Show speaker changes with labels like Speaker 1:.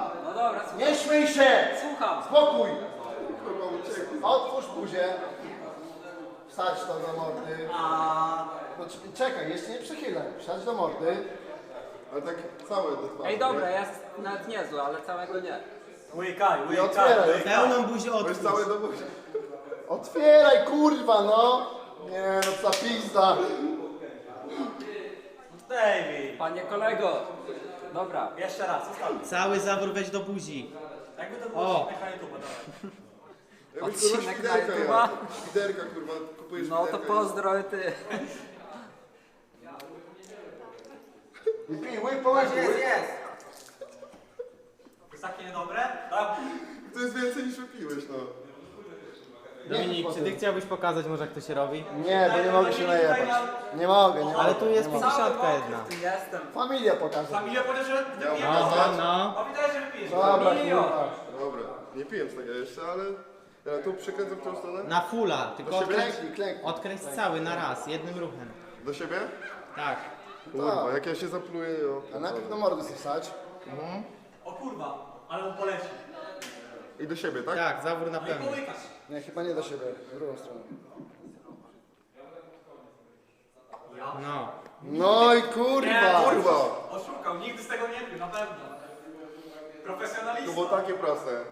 Speaker 1: No dobra, słucham.
Speaker 2: Nie śmiej się!
Speaker 1: Słucham.
Speaker 2: Spokój!
Speaker 3: Kurwa, uciekł.
Speaker 2: Otwórz buzię. Wsadź to do mordy. No, czekaj, jeszcze nie przechylaj. Wsadź do mordy.
Speaker 3: Ale tak całe do twarzy.
Speaker 1: Ej, dobra, jest nawet niezły, ale całego nie.
Speaker 4: Łykaj,
Speaker 2: I otwieraj.
Speaker 5: Pełną buzię
Speaker 3: To jest
Speaker 5: otwórz.
Speaker 3: całe do buzi.
Speaker 2: Otwieraj, kurwa, no! Nie, no co pizda.
Speaker 4: David.
Speaker 1: Panie kolego. Dobra.
Speaker 4: Jeszcze raz, ostatni.
Speaker 5: Cały zawór weź do buzi.
Speaker 4: Jakby to było
Speaker 5: O.
Speaker 4: odcinek na YouTube, dawaj.
Speaker 3: Jakbyś kurwa
Speaker 1: Odcinek na
Speaker 3: świderka
Speaker 1: YouTube'a?
Speaker 3: jadł. Świderka, kurwa, kupujesz
Speaker 1: No to
Speaker 3: świderka.
Speaker 1: pozdro ty.
Speaker 2: I pij, łyk po łyku.
Speaker 4: Jest. Jest takie niedobre? Tak.
Speaker 3: To jest więcej niż wypiłeś, no.
Speaker 5: Dominik, czy ty chciałbyś pokazać może jak to się robi?
Speaker 2: Nie, bo nie mogę się najebać. Nie mogę, nie mogę.
Speaker 5: Ale tu jest
Speaker 2: nie mogę.
Speaker 5: 50 jedna.
Speaker 1: Jestem.
Speaker 2: Familia pokaże.
Speaker 4: Familia powiedział, że wypijesz.
Speaker 5: No.
Speaker 4: A widać, że wypijesz.
Speaker 2: Dobra,
Speaker 1: Milion.
Speaker 2: kurwa.
Speaker 3: Dobra, nie piję z tego jeszcze, ale... Ja tu przykręcę w tą stronę.
Speaker 5: Na fulla, tylko odkręć,
Speaker 2: Klęknij, klęknij.
Speaker 5: odkręć cały na raz, jednym ruchem.
Speaker 3: Do siebie?
Speaker 5: Tak.
Speaker 3: Kurwa, jak ja się zapluję, jo.
Speaker 2: A najpierw do mordy sobie wsadź.
Speaker 4: O kurwa, ale on poleci.
Speaker 3: I do siebie, tak?
Speaker 5: Tak, zawór na
Speaker 4: No i
Speaker 5: pewno.
Speaker 4: połykasz.
Speaker 2: Nie, chyba nie do siebie. W drugą stronę.
Speaker 5: No.
Speaker 2: No i kurwa.
Speaker 3: Kurwa!
Speaker 4: Oszukał, nigdy z tego nie pił, na pewno.
Speaker 3: To
Speaker 4: Profesjonalista.
Speaker 3: było takie proste.